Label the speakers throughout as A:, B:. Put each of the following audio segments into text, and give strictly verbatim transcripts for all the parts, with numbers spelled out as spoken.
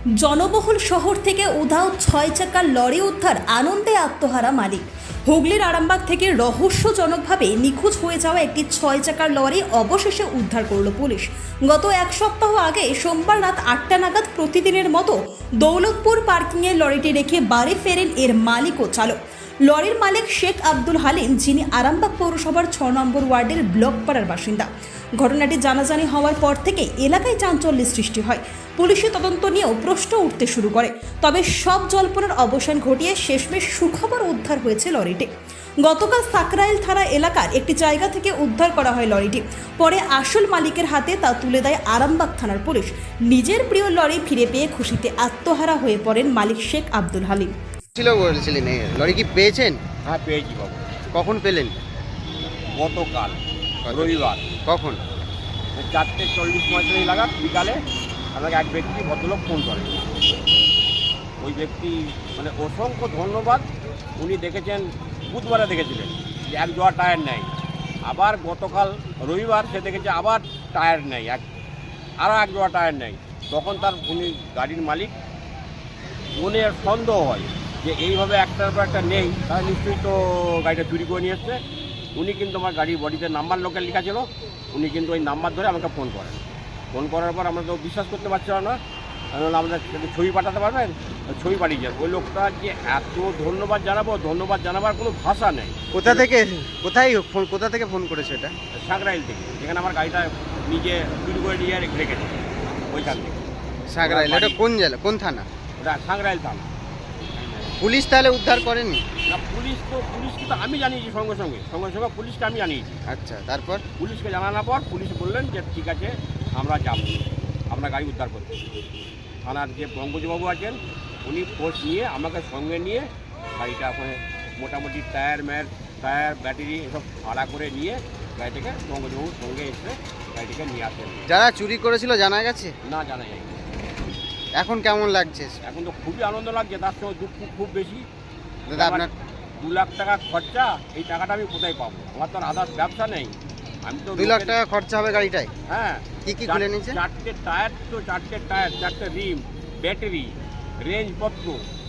A: জনবহুল শহর থেকে উধাও ছয় চাকার লরি উদ্ধার, আনন্দে আত্মহারা মালিক। হুগলির আরামবাগ থেকে রহস্যজনকভাবে নিখোঁজ হয়ে যাওয়া একটি ছয় চাকার লরি অবশেষে উদ্ধার করল পুলিশ। গত এক সপ্তাহ আগে সোমবার রাত আটটা নাগাদ প্রতিদিনের মতো দৌলতপুর পার্কিংয়ে লরিটি রেখে বাড়ি ফেরেন এর মালিক ও চালক। লরির মালিক শেখ আব্দুল হালিম, যিনি আরামবাগ পৌরসভার ছ নম্বর ওয়ার্ডের ব্লকপাড়ার বাসিন্দা। ঘটনাটি জানাজানি হওয়ার পর থেকে এলাকায় চাঞ্চল্যের সৃষ্টি হয়। পুলিশের তদন্ত নিয়েও প্রশ্ন উঠতে শুরু করে। তবে সব জল্পনার অবসান ঘটিয়ে শেষমেশ সুখবর উদ্ধার হয়েছে লরিটি। গতকাল সাকরাইল থানা এলাকার একটি জায়গা থেকে উদ্ধার করা হয় লরিটি। পরে আসল মালিকের হাতে তা তুলে দেয় আরামবাগ থানার পুলিশ। নিজের প্রিয় লরি ফিরে পেয়ে খুশিতে আত্মহারা হয়ে পড়েন মালিক শেখ আব্দুল হালিম।
B: ছিল বলছিলেন, লরি কি পেয়েছেন?
C: হ্যাঁ, পেয়েছি বাবু।
B: কখন পেলেন?
C: গতকাল রবিবার
B: কখন?
C: চারটে চল্লিশ পঁয়তাল্লিশ লাগাত বিকালে আমাকে এক ব্যক্তি ভদ্রলোক ফোন করে। ওই ব্যক্তি মানে অসংখ্য ধন্যবাদ। উনি দেখেছেন, বুধবারে দেখেছিলেন যে এক জোড়া টায়ার নেই। আবার গতকাল রবিবার সে দেখেছে আবার টায়ার নেই, এক আরও এক জোড়া টায়ার নেই। তখন তার উনি গাড়ির মালিক, মনে সন্দেহ হয় যে এইভাবে একটার পর একটা নেই, তাহলে নিশ্চয়ই তো গাড়িটা চুরি করে নিয়ে এসছে। উনি কিন্তু আমার গাড়ির বডিতে নাম্বার লোকের লেখা ছিল। উনি কিন্তু ওই নাম্বার ধরে আমাকে ফোন করেন। ফোন করার পর আমরা তো বিশ্বাস করতে পারছিলাম না। আমি বললাম, আমাদের ছবি পাঠাতে পারবেন? ছবি পাঠিয়েছেন। ওই লোকটা যে এত ধন্যবাদ জানাবো, ধন্যবাদ জানাবার কোনো ভাষা নেই।
B: কোথা থেকে কোথায় ফোন কোথা থেকে ফোন করেছে এটা?
C: সাকরাইল থেকে, যেখানে আমার গাড়িটা নিজে চুরি করে নিয়ে রেখেছে ওইখান থেকে।
B: সাকরাইল? এটা কোন জেলা, কোন থানা?
C: ওটা সাকরাইল থানা।
B: পুলিশ তাহলে উদ্ধার করেনি?
C: না, পুলিশ তো পুলিশকে তো আমি জানিয়েছি, সঙ্গে সঙ্গে সঙ্গে সঙ্গে পুলিশকে আমি জানিয়েছি।
B: আচ্ছা, তারপর?
C: পুলিশকে জানানোর পর পুলিশ বললেন যে ঠিক আছে, আমরা যাব, আমরা গাড়ি উদ্ধার করতে। থানার যে পঙ্কজবাবু আছেন উনি ফোর্স নিয়ে আমাকে সঙ্গে নিয়ে গাড়িটা ওখানে মোটামুটি টায়ার ম্যার টায়ার ব্যাটারি এসব ভাড়া করে নিয়ে গাড়িটাকে পঙ্কজবাবুর সঙ্গে এসে গাড়িটাকে নিয়ে আসেন।
B: যারা চুরি করেছিল জানা গেছে?
C: না, জানা যায়।
B: এখন কেমন লাগছে?
C: এখন তো খুবই আনন্দ লাগছে, তার সঙ্গে দুঃখ খুব বেশি।
B: দাদা, আপনার
C: দু লাখ টাকা খরচা, এই টাকাটা আমি কোথায় পাবো? আমার তো আর আদার্স ব্যবসা নেই। আমি তো
B: দুই লাখ টাকা খরচা হবে গাড়িটায়?
C: হ্যাঁ।
B: কি কি খুলে নিয়েছে?
C: চারটে টায়ার, তো চারটে টায়ার, চারটে রিম, ব্যাটারি, রেঞ্জপত্র।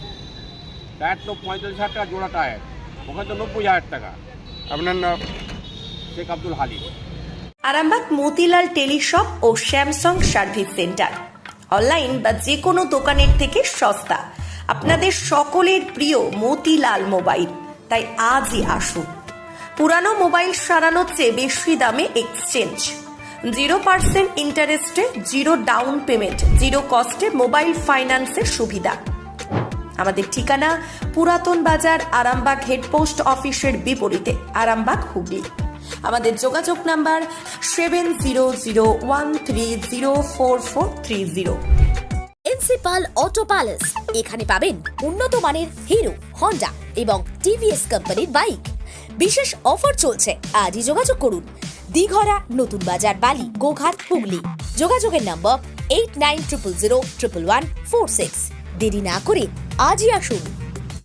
C: টায়ার তো পঁয়তাল্লিশ হাজার টাকা জোড়া টায়ার, ওখানে তো নব্বই হাজার টাকা।
B: আপনার নাম?
C: শেখ আব্দুল হালিম।
A: আরামবাগ মতিলাল টেলিশপ ও স্যামসাং সার্ভিস সেন্টার। অনলাইন বা যে কোনো দোকানের থেকে সস্তা। আপনাদের সকলের প্রিয় মতিলাল মোবাইল। তাই আজই আসুন। পুরানো মোবাইল সারানোর চেয়ে বেশি দামে এক্সচেঞ্জ, জিরো পার্সেন্ট ইন্টারেস্টে, জিরো ডাউন পেমেন্ট, জিরো কস্টে মোবাইল ফাইন্যান্সের সুবিধা। আমাদের ঠিকানা পুরাতন বাজার, আরামবাগ হেডপোস্ট অফিসের বিপরীতে, আরামবাগ, হুগলি। আমাদের যোগাযোগ number seven zero zero one three zero four four three zero.
D: Principal auto palace, এখানে পাবেন উন্নত মানের হিরো, হন্ডা এবং টিভিএস কোম্পানির বাইক। বিশেষ অফার চলছে, আজই যোগাযোগ করুন। দিঘরা, নতুন বাজার, বালি, গোঘাট, হুগলি। যোগাযোগের number eight nine triple zero triple one four six. দেরি না করে আজই আসুন।